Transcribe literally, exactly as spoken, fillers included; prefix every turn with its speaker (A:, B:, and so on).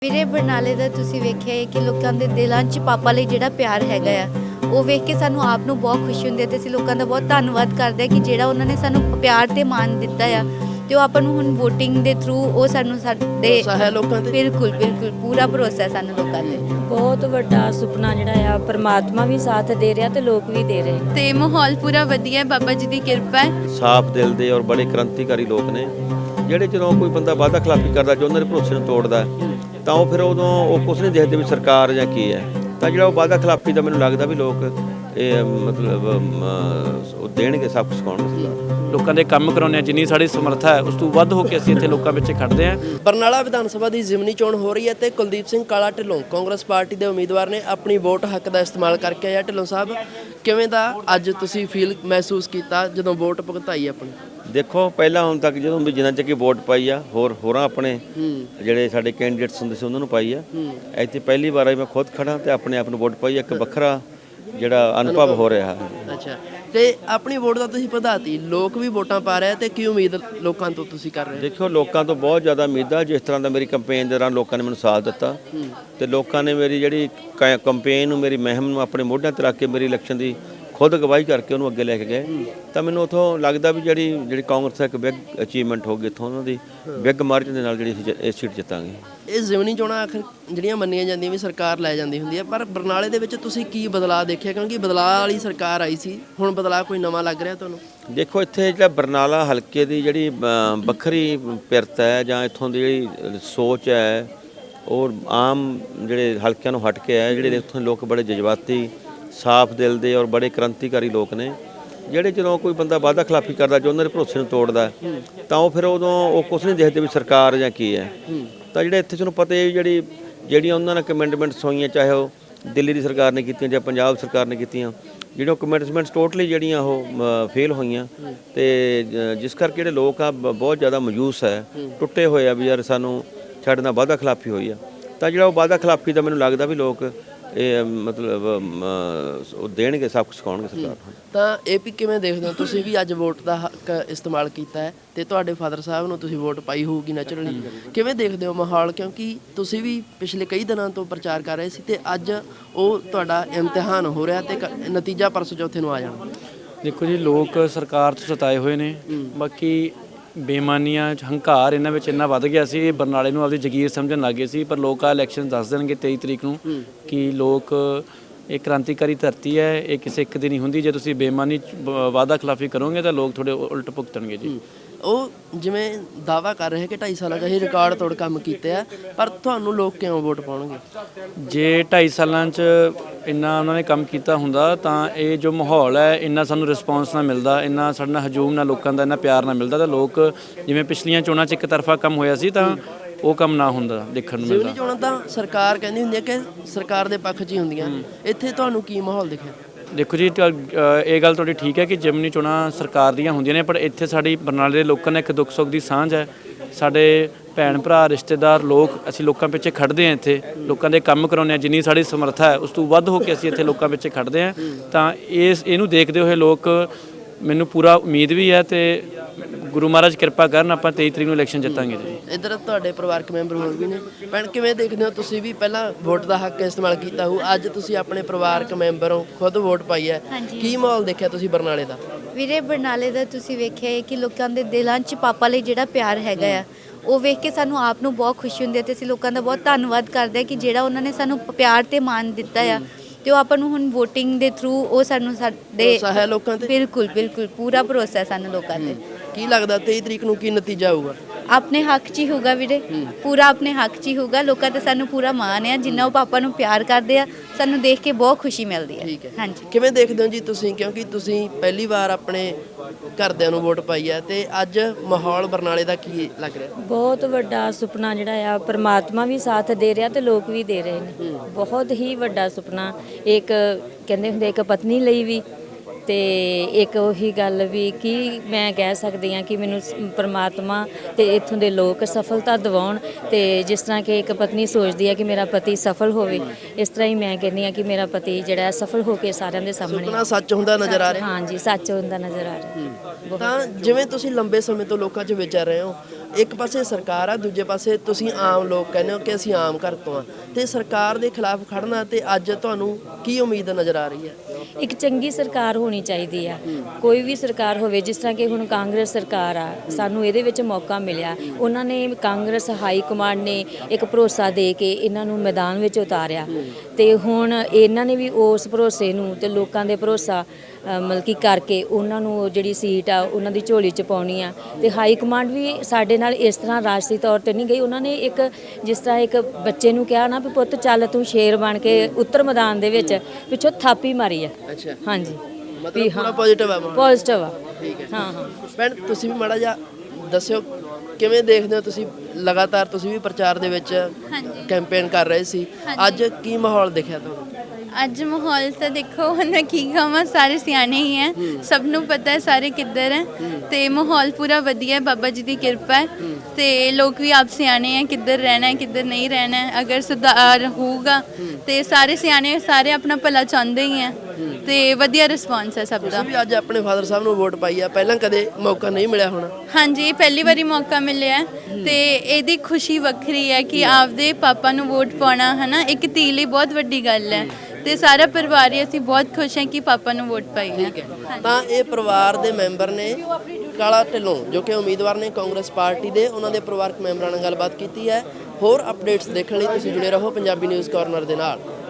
A: ਵੀਰੇ ਬਰਨਾਲੇ ਦਾ ਤੁਸੀਂ ਵੇਖਿਆ ਹੈ ਕਿ ਲੋਕਾਂ ਦੇ ਦਿਲਾਂ 'ਚ ਪਾਪਾ ਲਈ ਜਿਹੜਾ ਪਿਆਰ ਹੈਗਾ ਆ ਉਹ ਵੇਖ ਕੇ ਸਾਨੂੰ ਆਪ ਨੂੰ ਬਹੁਤ ਖੁਸ਼ੀ ਹੁੰਦੀ ਹੈ ਤੇ ਅਸੀਂ ਲੋਕਾਂ ਦਾ ਬਹੁਤ ਧੰਨਵਾਦ ਕਰਦੇ ਹਾਂ ਕਿ ਜਿਹੜਾ ਉਹਨਾਂ ਨੇ ਸਾਨੂੰ ਪਿਆਰ ਤੇ ਮਾਣ ਦਿੱਤਾ ਆ ਤੇ ਉਹ ਆਪਾਂ ਨੂੰ ਹੁਣ VOTING ਦੇ ਥਰੂ ਉਹ ਸਾਨੂੰ ਸਾਡੇ
B: ਭਰੋਸਾ ਹੈ ਲੋਕਾਂ ਤੇ।
A: ਬਿਲਕੁਲ ਬਿਲਕੁਲ ਪੂਰਾ ਭਰੋਸਾ ਹੈ ਸਾਨੂੰ ਲੋਕਾਂ ਤੇ।
C: ਬਹੁਤ ਵੱਡਾ ਸੁਪਨਾ ਜਿਹੜਾ ਆ ਪਰਮਾਤਮਾ ਵੀ ਸਾਥ ਦੇ ਰਿਹਾ ਤੇ ਲੋਕ ਵੀ ਦੇ ਰਹੇ
A: ਤੇ ਮਾਹੌਲ ਪੂਰਾ ਵਧੀਆ ਹੈ, ਬਾਬਾ ਜੀ ਦੀ ਕਿਰਪਾ ਹੈ।
D: ਸਾਫ਼ ਦਿਲ ਦੇ ਔਰ ਬੜੇ ਕ੍ਰਾਂਤੀਕਾਰੀ ਲੋਕ ਨੇ ਜਿਹੜੇ ਜਦੋਂ ਕੋਈ ਬੰਦਾ ਵਾਅਦਾ ਖਿਲਾਫੀ ਕਰਦਾ ਜੋ ਉਹਨਾਂ ਦੇ ਭਰੋਸੇ ਨੂੰ ਤੋੜਦਾ ਤਾਂ ਉਹ ਫਿਰ ਉਦੋਂ ਉਹ ਕੁਛ ਨਹੀਂ ਦੇਖਦੇ ਵੀ ਸਰਕਾਰ ਜਾਂ ਕੀ ਹੈ। ਤਾਂ ਜਿਹੜਾ ਉਹ ਵਾਅਦਾ ਖਿਲਾਫੀ ਦਾ ਮੈਨੂੰ ਲੱਗਦਾ ਵੀ ਲੋਕ ਇਹ ਮਤਲਬ ਉਹ ਦੇਣਗੇ, ਸਭ ਕੁਛ ਸਿਖਾਉਣਗੇ।
E: ਲੋਕਾਂ ਦੇ ਕੰਮ ਕਰਾਉਂਦੇ ਹਾਂ, ਜਿੰਨੀ ਸਾਡੀ ਸਮਰੱਥਾ ਹੈ ਉਸ ਤੋਂ ਵੱਧ ਹੋ ਕੇ ਅਸੀਂ ਇੱਥੇ ਲੋਕਾਂ ਵਿੱਚ ਖੜਦੇ ਹਾਂ।
B: ਬਰਨਾਲਾ ਵਿਧਾਨ ਸਭਾ ਦੀ ਜ਼ਿਮਨੀ ਚੋਣ ਹੋ ਰਹੀ ਹੈ ਤੇ ਕੁਲਦੀਪ ਸਿੰਘ ਕਾਲਾ ਢਿੱਲੋਂ ਕਾਂਗਰਸ ਪਾਰਟੀ ਦੇ ਉਮੀਦਵਾਰ ਨੇ ਆਪਣੀ ਵੋਟ ਹੱਕ ਦਾ ਇਸਤੇਮਾਲ ਕਰਕੇ ਆਇਆ। ਢਿੱਲੋਂ ਸਾਹਿਬ, ਕਿਵੇਂ ਦਾ ਅੱਜ ਤੁਸੀਂ ਫੀਲ ਮਹਿਸੂਸ ਕੀਤਾ ਜਦੋਂ ਵੋਟ ਭੁਗਤਾਈ ਆਪਣੀ?
D: ਦੇਖੋ, ਪਹਿਲਾਂ ਹੁਣ ਤੱਕ ਜਦੋਂ ਵੀ ਜਿੰਨਾ ਚੱਕੀ ਵੋਟ ਪਾਈ ਆ ਹੋਰ ਹੋਰਾਂ ਆਪਣੇ ਜਿਹੜੇ ਸਾਡੇ ਕੈਂਡੀਡੇਟਸ ਹੁੰਦੇ ਸੀ ਉਹਨਾਂ ਨੂੰ ਪਾਈ ਆ। ਇੱਥੇ ਪਹਿਲੀ ਵਾਰ ਆਈ ਮੈਂ ਖੁਦ ਖੜਾ ਤੇ ਆਪਣੇ ਆਪ ਨੂੰ ਵੋਟ ਪਾਈ। ਇੱਕ ਵੱਖਰਾ ਜਿਹੜਾ ਅਨੁਭਵ ਹੋ ਰਿਹਾ ਹੈ।
B: ਅੱਛਾ, ਤੇ ਆਪਣੀ ਵੋਟ ਦਾ ਤੁਸੀਂ ਵਧਾਤੀ, ਲੋਕ ਵੀ ਵੋਟਾਂ ਪਾ ਰਹੇ ਤੇ ਕੀ ਉਮੀਦ ਲੋਕਾਂ ਤੋਂ ਤੁਸੀਂ ਕਰ ਰਹੇ ਹੋ?
D: ਦੇਖੋ, ਲੋਕਾਂ ਤੋਂ ਬਹੁਤ ਜ਼ਿਆਦਾ ਉਮੀਦ ਆ। ਜਿਸ ਤਰ੍ਹਾਂ ਦਾ ਮੇਰੀ ਕੰਪੇਨ ਦੇ ਦੌਰਾਨ ਲੋਕਾਂ ਨੇ ਮੈਨੂੰ ਸਾਥ ਦਿੱਤਾ ਤੇ ਲੋਕਾਂ ਨੇ ਮੇਰੀ ਜਿਹੜੀ ਕੰਪੇਨ ਨੂੰ, ਮੇਰੀ ਮੁਹਿੰਮ ਨੂੰ ਆਪਣੇ ਮੋਢਿਆਂ ਤੇ ਰੱਖ ਕੇ ਮੇਰੀ ਇਲੈਕਸ਼ਨ ਦੀ ਖੁਦ ਅਗਵਾਈ ਕਰਕੇ ਉਹਨੂੰ ਅੱਗੇ ਲੈ ਕੇ ਗਏ ਤਾਂ ਮੈਨੂੰ ਉੱਥੋਂ ਲੱਗਦਾ ਵੀ ਜਿਹੜੀ ਜਿਹੜੀ ਕਾਂਗਰਸ ਦਾ ਇੱਕ ਬਿਗ ਅਚੀਵਮੈਂਟ ਹੋ ਗਈ, ਇੱਥੋਂ ਉਹਨਾਂ ਦੀ ਬਿਗ ਮਾਰਜਨ ਦੇ ਨਾਲ ਜਿਹੜੀ ਅਸੀਂ ਇਹ ਸੀਟ ਜਿੱਤਾਂਗੇ।
B: ਇਹ ਜ਼ਿਮਨੀ ਚੋਣਾਂ ਆਖਰ ਜਿਹੜੀਆਂ ਮੰਨੀਆਂ ਜਾਂਦੀਆਂ ਵੀ ਸਰਕਾਰ ਲੈ ਜਾਂਦੀ ਹੁੰਦੀ ਹੈ, ਪਰ ਬਰਨਾਲੇ ਦੇ ਵਿੱਚ ਤੁਸੀਂ ਕੀ ਬਦਲਾਅ ਦੇਖਿਆ? ਕਿਉਂਕਿ ਬਦਲਾਅ ਵਾਲੀ ਸਰਕਾਰ ਆਈ ਸੀ, ਹੁਣ ਬਦਲਾਅ ਕੋਈ ਨਵਾਂ ਲੱਗ ਰਿਹਾ ਤੁਹਾਨੂੰ?
D: ਦੇਖੋ, ਇੱਥੇ ਜਿਹੜਾ ਬਰਨਾਲਾ ਹਲਕੇ ਦੀ ਜਿਹੜੀ ਵੱਖਰੀ ਪਿਰਤ ਹੈ ਜਾਂ ਇੱਥੋਂ ਦੀ ਜਿਹੜੀ ਸੋਚ ਹੈ ਉਹ ਆਮ ਜਿਹੜੇ ਹਲਕਿਆਂ ਨੂੰ ਹਟ ਕੇ ਹੈ। ਜਿਹੜੇ ਇੱਥੋਂ ਲੋਕ ਬੜੇ ਜਜ਼ਬਾਤੀ, ਸਾਫ਼ ਦਿਲ ਦੇ ਔਰ ਬੜੇ ਕ੍ਰਾਂਤੀਕਾਰੀ ਲੋਕ ਨੇ ਜਿਹੜੇ ਜਦੋਂ ਕੋਈ ਬੰਦਾ ਵਾਅਦਾ ਖਿਲਾਫੀ ਕਰਦਾ ਜੋ ਉਹਨਾਂ ਦੇ ਭਰੋਸੇ ਨੂੰ ਤੋੜਦਾ ਤਾਂ ਉਹ ਫਿਰ ਉਦੋਂ ਉਹ ਕੁਛ ਨਹੀਂ ਦੇਖਦੇ ਵੀ ਸਰਕਾਰ ਜਾਂ ਕੀ ਹੈ। ਤਾਂ ਜਿਹੜੇ ਇੱਥੇ ਤੁਹਾਨੂੰ ਪਤਾ ਹੈ ਜਿਹੜੀ ਜਿਹੜੀਆਂ ਉਹਨਾਂ ਨੇ ਕਮਿਟਮੈਂਟਸ ਹੋਈਆਂ, ਚਾਹੇ ਉਹ ਦਿੱਲੀ ਦੀ ਸਰਕਾਰ ਨੇ ਕੀਤੀਆਂ ਜਾਂ ਪੰਜਾਬ ਸਰਕਾਰ ਨੇ ਕੀਤੀਆਂ, ਜਿਹੜੀਆਂ ਕਮਿਟਮੈਂਟਸ ਟੋਟਲੀ ਜਿਹੜੀਆਂ ਉਹ ਫੇਲ ਹੋਈਆਂ ਤੇ ਜਿਸ ਕਰਕੇ ਜਿਹੜੇ ਲੋਕ ਆ ਬਹੁਤ ਜ਼ਿਆਦਾ ਮਾਯੂਸ ਹੈ, ਟੁੱਟੇ ਹੋਏ ਆ ਵੀ ਯਾਰ ਸਾਨੂੰ ਸਾਡੇ ਨਾਲ ਵਾਅਦਾ ਖਿਲਾਫੀ ਹੋਈ ਆ। ਤਾਂ ਜਿਹੜਾ ਉਹ ਵਾਅਦਾ ਖਿਲਾਫੀ ਦਾ ਮੈਨੂੰ ਲੱਗਦਾ ਵੀ ਲੋਕ ਇਹ ਮਤਲਬ ਉਹ ਦੇਣਗੇ, ਸਭ ਕੁਛ ਸਿਖਾਉਣਗੇ ਸਰਕਾਰ ਨੂੰ।
B: ਤਾਂ ਇਹ ਵੀ ਕਿਵੇਂ ਦੇਖਦੇ ਹੋ ਤੁਸੀਂ ਵੀ ਅੱਜ ਵੋਟ ਦਾ ਹੱਕ ਇਸਤੇਮਾਲ ਕੀਤਾ ਹੈ ਤੇ ਤੁਹਾਡੇ ਫਾਦਰ ਸਾਹਿਬ ਨੂੰ ਤੁਸੀਂ ਵੋਟ ਪਾਈ ਹੋਊਗੀ ਨੈਚੁਰਲੀ, ਕਿਵੇਂ ਦੇਖਦੇ ਹੋ ਮਾਹੌਲ? ਕਿਉਂਕਿ ਤੁਸੀਂ ਵੀ ਪਿਛਲੇ ਕਈ ਦਿਨਾਂ ਤੋਂ ਪ੍ਰਚਾਰ ਕਰ ਰਹੇ ਸੀ ਤੇ ਅੱਜ ਉਹ ਤੁਹਾਡਾ ਇਮਤਿਹਾਨ ਹੋ ਰਿਹਾ ਤੇ ਨਤੀਜਾ ਪਰਸੋਂ ਚੌਥੇ ਨੂੰ ਆ ਜਾਣਾ।
E: ਦੇਖੋ ਜੀ, ਲੋਕ ਸਰਕਾਰ ਤੋਂ ਸਤਾਏ ਹੋਏ ਨੇ। ਬਾਕੀ ਬੇਈਮਾਨੀਆਂ, ਹੰਕਾਰ ਇਹਨਾਂ ਵਿੱਚ ਇੰਨਾ ਵੱਧ ਗਿਆ ਸੀ, ਇਹ ਬਰਨਾਲੇ ਨੂੰ ਆਪਦੀ ਜਗੀਰ ਸਮਝਣ ਲੱਗ ਗਏ ਸੀ। ਪਰ ਲੋਕ ਆ ਇਲੈਕਸ਼ਨ ਦੱਸ ਦੇਣਗੇ ਤੇਈ ਤਰੀਕ ਨੂੰ ਕਿ ਲੋਕ ਇਹ ਕ੍ਰਾਂਤੀਕਾਰੀ ਧਰਤੀ ਹੈ, ਇਹ ਕਿਸੇ ਇੱਕ ਦੀ ਨਹੀਂ ਹੁੰਦੀ। ਜੇ ਤੁਸੀਂ ਬੇਈਮਾਨੀ ਵਾਅਦਾ ਖਿਲਾਫੀ ਕਰੋਗੇ ਤਾਂ ਲੋਕ ਤੁਹਾਡੇ ਉਲਟ ਭੁਗਤਣਗੇ ਜੀ।
B: ਉਹ ਜਿਵੇਂ ਦਾਅਵਾ ਕਰ ਰਹੇ ਕਿ ਢਾਈ ਸਾਲਾਂ 'ਚ ਅਸੀਂ ਰਿਕਾਰਡ ਤੋੜ ਕੰਮ ਕੀਤੇ ਆ, ਪਰ ਤੁਹਾਨੂੰ ਲੋਕ ਕਿਉਂ ਵੋਟ ਪਾਉਣਗੇ?
E: ਜੇ ਢਾਈ ਸਾਲਾਂ 'ਚ ਇੰਨਾ ਉਹਨਾਂ ਨੇ ਕੰਮ ਕੀਤਾ ਹੁੰਦਾ ਤਾਂ ਇਹ ਜੋ ਮਾਹੌਲ ਹੈ, ਇੰਨਾ ਸਾਨੂੰ ਰਿਸਪੌਂਸ ਨਾ ਮਿਲਦਾ, ਇੰਨਾ ਸਾਡੇ ਨਾਲ ਹਜੂਮ ਨਾਲ ਲੋਕਾਂ ਦਾ ਇੰਨਾ ਪਿਆਰ ਨਾ ਮਿਲਦਾ ਤਾਂ ਲੋਕ ਜਿਵੇਂ ਪਿਛਲੀਆਂ ਚੋਣਾਂ 'ਚ ਇੱਕ ਤਰਫਾ ਕੰਮ ਹੋਇਆ ਸੀ ਤਾਂ ਉਹ ਕੰਮ ਨਾ ਹੁੰਦਾ ਦੇਖਣ ਨੂੰ ਮਿਲਦਾ।
B: ਜ਼ਿਮਨੀ ਚੋਣਾਂ ਤਾਂ ਸਰਕਾਰ ਕਹਿੰਦੀ ਹੁੰਦੀ ਹੈ ਕਿ ਸਰਕਾਰ ਦੇ ਪੱਖ 'ਚ ਹੀ ਹੁੰਦੀਆਂ, ਇੱਥੇ ਤੁਹਾਨੂੰ ਕੀ ਮਾਹੌਲ ਦਿਖਿਆ?
E: ਦੇਖੋ ਜੀ, ਇਹ ਗੱਲ ਤੁਹਾਡੀ ਠੀਕ ਹੈ ਕਿ ਜ਼ਿਮਨੀ ਚੋਣਾਂ ਸਰਕਾਰ ਦੀਆਂ ਹੁੰਦੀਆਂ ਨੇ, ਪਰ ਇੱਥੇ ਸਾਡੀ ਬਰਨਾਲੇ ਦੇ ਲੋਕਾਂ ਨਾਲ ਇੱਕ ਦੁੱਖ ਸੁੱਖ ਦੀ ਸਾਂਝ ਹੈ। ਸਾਡੇ ਭੈਣ ਭਰਾ, ਰਿਸ਼ਤੇਦਾਰ ਲੋਕ, ਅਸੀਂ ਲੋਕਾਂ ਪਿੱਛੇ ਖੜਦੇ ਹਾਂ। ਇੱਥੇ ਲੋਕਾਂ ਦੇ ਕੰਮ ਕਰਾਉਂਦੇ ਹਾਂ, ਜਿੰਨੀ ਸਾਡੀ ਸਮਰੱਥਾ ਹੈ ਉਸ ਤੋਂ ਵੱਧ ਹੋ ਕੇ ਅਸੀਂ ਇੱਥੇ ਲੋਕਾਂ ਪਿੱਛੇ ਖੜਦੇ ਹਾਂ। ਤਾਂ ਇਸ ਇਹਨੂੰ ਦੇਖਦੇ ਹੋਏ ਲੋਕ, ਮੈਨੂੰ ਪੂਰਾ ਉਮੀਦ ਵੀ ਹੈ ਤੇ ਗੁਰੂ ਮਹਾਰਾਜ ਕਿਰਪਾ ਕਰਨ, ਆਪਾਂ ਤੇਈ ਤਰੀਕ ਨੂੰ ਇਲੈਕਸ਼ਨ ਜਿੱਤਾਂਗੇ ਜੀ।
B: ਇੱਧਰ ਤੁਹਾਡੇ ਪਰਿਵਾਰਕ ਮੈਂਬਰ ਹੋਰ ਵੀ ਨੇ, ਭੈਣ ਕਿਵੇਂ ਦੇਖਦੇ ਹੋ ਤੁਸੀਂ ਵੀ ਪਹਿਲਾਂ ਵੋਟ ਦਾ ਹੱਕ ਇਸਤੇਮਾਲ ਕੀਤਾ ਹੋ, ਅੱਜ ਤੁਸੀਂ ਆਪਣੇ ਪਰਿਵਾਰਕ ਮੈਂਬਰ ਹੋ, ਖੁਦ ਵੋਟ ਪਾਈ ਹੈ, ਕੀ ਮਾਹੌਲ ਦੇਖਿਆ ਤੁਸੀਂ ਬਰਨਾਲੇ ਦਾ?
A: ਵੀਰੇ ਬਰਨਾਲੇ ਦਾ ਤੁਸੀਂ ਵੇਖਿਆ ਹੈ ਕਿ ਲੋਕਾਂ ਦੇ ਦਿਲਾਂ 'ਚ ਪਾਪਾ ਲਈ ਜਿਹੜਾ ਪਿਆਰ ਹੈਗਾ ਆ ਉਹ ਵੇਖ ਕੇ ਸਾਨੂੰ ਆਪ ਨੂੰ ਬਹੁਤ ਖੁਸ਼ੀ ਹੁੰਦੀ ਹੈ ਤੇ ਅਸੀਂ ਲੋਕਾਂ ਦਾ ਬਹੁਤ ਧੰਨਵਾਦ ਕਰਦੇ ਹਾਂ ਕਿ ਜਿਹੜਾ ਉਹਨਾਂ ਨੇ ਸਾਨੂੰ ਪਿਆਰ ਤੇ ਮਾਣ ਦਿੱਤਾ ਆ ਤੇ ਉਹ ਆਪਾਂ ਨੂੰ ਹੁਣ VOTING ਦੇ ਥਰੂ ਉਹ ਸਾਨੂੰ ਸਾਡੇ
B: ਭਰੋਸਾ ਹੈ ਲੋਕਾਂ ਤੇ।
A: ਬਿਲਕੁਲ ਬਿਲਕੁਲ ਪੂਰਾ ਭਰੋਸਾ ਹੈ ਸਾਨੂੰ ਲੋਕਾਂ ਤੇ।
B: ਕੀ ਲੱਗਦਾ ਤੇਈ ਤਰੀਕ ਨੂੰ ਕੀ ਨਤੀਜਾ ਆਊਗਾ?
A: ਆਪਣੇ ਹੱਕ 'ਚ ਹੀ ਹੋਊਗਾ ਵੀਰੇ, ਪੂਰਾ ਆਪਣੇ ਹੱਕ 'ਚ ਹੀ ਹੋਊਗਾ। ਲੋਕਾਂ ਤੇ ਸਾਨੂੰ ਪੂਰਾ ਮਾਣ ਹੈ, ਜਿੰਨਾ ਉਹ ਪਾਪਾ ਨੂੰ ਪਿਆਰ ਕਰਦੇ ਆ ਸਾਨੂੰ ਦੇਖ ਕੇ ਬਹੁਤ ਖੁਸ਼ੀ ਮਿਲਦੀ ਹੈ।
B: ਠੀਕ ਹੈ,
A: ਹਾਂਜੀ।
B: ਕਿਵੇਂ ਦੇਖਦੇ ਹੋ ਜੀ ਤੁਸੀਂ, ਕਿਉਂਕਿ ਤੁਸੀਂ ਪਹਿਲੀ ਵਾਰ ਆਪਣੇ ਘਰਦਿਆਂ ਨੂੰ ਵੋਟ ਪਾਈ ਹੈ ਤੇ ਅੱਜ ਮਾਹੌਲ ਬਰਨਾਲੇ ਦਾ ਕੀ ਲੱਗ ਰਿਹਾ?
C: ਬਹੁਤ ਵੱਡਾ ਸੁਪਨਾ ਜਿਹੜਾ ਆ ਪਰਮਾਤਮਾ ਵੀ ਸਾਥ ਦੇ ਰਿਹਾ ਤੇ ਲੋਕ ਵੀ ਦੇ ਰਹੇ ਨੇ। ਬਹੁਤ ਹੀ ਵੱਡਾ ਸੁਪਨਾ, ਇੱਕ ਕਹਿੰਦੇ ਹੁੰਦੇ ਇੱਕ ਪਤਨੀ ਲਈ ਵੀ ਤੇ ਇੱਕ ਉਹੀ ਗੱਲ ਵੀ ਕੀ ਮੈਂ ਕਹਿ ਸਕਦੀ ਹਾਂ ਕਿ ਮੈਨੂੰ ਸ- ਪ੍ਰਮਾਤਮਾ ਤੇ ਇੱਥੋਂ ਦੇ ਲੋਕ ਸਫਲਤਾ ਦਿਵਾਉਣ, ਤੇ ਜਿਸ ਤਰ੍ਹਾਂ ਕਿ ਇੱਕ ਪਤਨੀ ਸੋਚਦੀ ਹੈ ਕਿ ਮੇਰਾ ਪਤੀ ਸਫਲ ਹੋਵੇ, ਇਸ ਤਰ੍ਹਾਂ ਹੀ ਮੈਂ ਕਹਿੰਦੀ ਹਾਂ ਕਿ ਮੇਰਾ ਪਤੀ ਜਿਹੜਾ ਹੈ ਸਫਲ ਹੋ ਕੇ ਸਾਰਿਆਂ ਦੇ ਸਾਹਮਣੇ
B: ਸੁਪਨਾ ਸੱਚ ਹੁੰਦਾ ਨਜ਼ਰ ਆ ਰਿਹਾ।
C: ਹਾਂਜੀ ਸੱਚ ਹੁੰਦਾ ਨਜ਼ਰ ਆ ਰਿਹਾ।
B: ਤਾਂ ਜਿਵੇਂ ਤੁਸੀਂ ਲੰਬੇ ਸਮੇਂ ਤੋਂ ਲੋਕਾਂ 'ਚ ਵਿਚਰ ਰਹੇ ਹੋ, ਇੱਕ ਪਾਸੇ ਸਰਕਾਰ ਆ, ਦੂਜੇ ਪਾਸੇ ਤੁਸੀਂ ਆਮ ਲੋਕ ਕਹਿੰਦੇ ਹੋ ਕਿ ਅਸੀਂ ਆਮ ਘਰ ਤੋਂ ਆ, ਤੇ ਸਰਕਾਰ ਦੇ ਖਿਲਾਫ ਖੜਨਾ, ਤੇ ਅੱਜ ਤੁਹਾਨੂੰ ਕੀ ਉਮੀਦ ਨਜ਼ਰ ਆ ਰਹੀ ਹੈ?
C: ਇੱਕ ਚੰਗੀ ਸਰਕਾਰ ਹੋਣੀ ਚਾਹੀਦੀ ਆ, ਕੋਈ ਵੀ ਸਰਕਾਰ ਹੋਵੇ। ਜਿਸ ਤਰ੍ਹਾਂ ਕਿ ਹੁਣ ਕਾਂਗਰਸ ਸਰਕਾਰ ਆ, ਸਾਨੂੰ ਇਹਦੇ ਵਿੱਚ ਮੌਕਾ ਮਿਲਿਆ, ਉਹਨਾਂ ਨੇ ਕਾਂਗਰਸ ਹਾਈ ਕਮਾਂਡ ਨੇ ਇੱਕ ਭਰੋਸਾ ਦੇ ਕੇ ਇਹਨਾਂ ਨੂੰ ਮੈਦਾਨ ਵਿੱਚ ਉਤਾਰਿਆ, ਤੇ ਹੁਣ ਇਹਨਾਂ ਨੇ ਵੀ ਉਸ ਭਰੋਸੇ ਨੂੰ ਤੇ ਲੋਕਾਂ ਦੇ ਭਰੋਸਾ ਅ, ਮਤਲਬ ਕਿ ਕਰਕੇ ਉਹਨਾਂ ਨੂੰ ਜਿਹੜੀ ਸੀਟ ਆ ਉਹਨਾਂ ਦੀ ਝੋਲੀ 'ਚ ਪਾਉਣੀ ਆ। ਤੇ ਹਾਈ ਕਮਾਂਡ ਵੀ ਸਾਡੇ ਨਾਲ ਇਸ ਤਰ੍ਹਾਂ ਰਾਜਸੀ ਤੌਰ ਤੇ ਨਹੀਂ ਗਈ, ਉਹਨਾਂ ਨੇ ਇੱਕ ਜਿਸ ਤਰ੍ਹਾਂ ਇੱਕ ਬੱਚੇ ਨੂੰ ਕਿਹਾ ਨਾ ਵੀ ਪੁੱਤ ਚੱਲ ਤੂੰ ਸ਼ੇਰ ਬਣ ਕੇ ਉੱਤਰ ਮੈਦਾਨ ਦੇ ਵਿੱਚ, ਪਿੱਛੋਂ ਥਾਪੀ ਮਾਰੀ ਆ।
B: ਅੱਛਾ,
C: ਹਾਂਜੀ
B: ਮਤਲਬ ਪੂਰਾ ਪੋਜ਼ਿਟਿਵ ਹੈ ਮਾਹੌਲ।
C: ਪੋਜ਼ਿਟਿਵ ਆ।
B: ਠੀਕ ਹੈ।
C: ਹਾਂ ਹਾਂ
B: ਭੈਣ ਤੁਸੀਂ ਵੀ ਮਾੜਾ ਜਿਹਾ ਦੱਸਿਓ, ਕਿਵੇਂ ਦੇਖਦੇ ਹੋ ਤੁਸੀਂ? ਲਗਾਤਾਰ ਤੁਸੀਂ ਵੀ ਪ੍ਰਚਾਰ ਦੇ ਵਿੱਚ ਕੈਂਪੇਨ ਕਰ ਰਹੇ ਸੀ, ਅੱਜ ਕੀ ਮਾਹੌਲ ਦਿਖਿਆ ਤੁਹਾਨੂੰ?
F: ਅੱਜ ਮਾਹੌਲ ਤਾਂ ਦੇਖੋ ਹੁਣ ਮੈਂ ਕੀ ਕਹਾਂ, ਸਾਰੇ ਸਿਆਣੇ ਹੀ ਹੈ, ਸਭ ਨੂੰ ਪਤਾ ਹੈ ਸਾਰੇ ਕਿੱਧਰ ਹੈ, ਤੇ ਮਾਹੌਲ ਪੂਰਾ ਵਧੀਆ ਹੈ, ਬਾਬਾ ਜੀ ਦੀ ਕਿਰਪਾ ਹੈ, ਤੇ ਲੋਕ ਵੀ ਆਪ ਸਿਆਣੇ ਹੈ ਕਿੱਧਰ ਰਹਿਣਾ ਹੈ ਕਿੱਧਰ ਨਹੀਂ ਰਹਿਣਾ ਹੈ। ਅਗਰ ਸੁਧਾਰ ਹੋਊਗਾ ਤੇ ਸਾਰੇ ਸਿਆਣੇ ਸਾਰੇ ਆਪਣਾ ਭਲਾ ਚਾਹੁੰਦੇ ਹੀ ਹੈ, ਤੇ ਵਧੀਆ ਰਿਸਪੌਂਸ ਹੈ ਸਭ ਦਾ।
B: ਤੁਸੀਂ ਵੀ ਅੱਜ ਆਪਣੇ ਫਾਦਰ ਸਾਹਿਬ ਨੂੰ ਵੋਟ ਪਾਈ ਆ, ਪਹਿਲਾਂ ਕਦੇ ਮੌਕਾ ਨਹੀਂ ਮਿਲਿਆ ਹੋਣਾ।
F: ਹਾਂਜੀ, ਇਹ ਪਹਿਲੀ ਵਾਰੀ ਮੌਕਾ ਮਿਲਿਆ ਹੈ, ਤੇ ਇਹਦੀ ਖੁਸ਼ੀ ਵੱਖਰੀ ਹੈ ਕਿ ਆਪਦੇ ਪਾਪਾ ਨੂੰ ਵੋਟ ਪਾਉਣਾ ਹੈ ਨਾ, ਇੱਕ ਧੀ ਲਈ ਬਹੁਤ ਵੱਡੀ ਗੱਲ ਹੈ, ਤੇ ਸਾਰਾ ਪਰਿਵਾਰ ਹੀ ਅਸੀਂ ਬਹੁਤ ਖੁਸ਼ ਹਾਂ ਕਿ ਪਾਪਾ ਨੂੰ ਵੋਟ ਪਾਈ ਹੈ।
B: ਤਾਂ ਇਹ ਪਰਿਵਾਰ ਦੇ ਮੈਂਬਰ ਨੇ ਕਾਲਾ ਢਿੱਲੋਂ, ਜੋ ਕਿ ਉਮੀਦਵਾਰ ਨੇ ਕਾਂਗਰਸ ਪਾਰਟੀ ਦੇ, ਉਹਨਾਂ ਦੇ ਪਰਿਵਾਰਕ ਮੈਂਬਰਾਂ ਨਾਲ ਗੱਲਬਾਤ ਕੀਤੀ ਹੈ। ਹੋਰ ਅਪਡੇਟਸ ਦੇਖਣ ਲਈ ਤੁਸੀਂ ਜੁੜੇ ਰਹੋ ਪੰਜਾਬੀ ਨਿਊਜ਼ ਕਾਰਨਰ ਦੇ ਨਾਲ।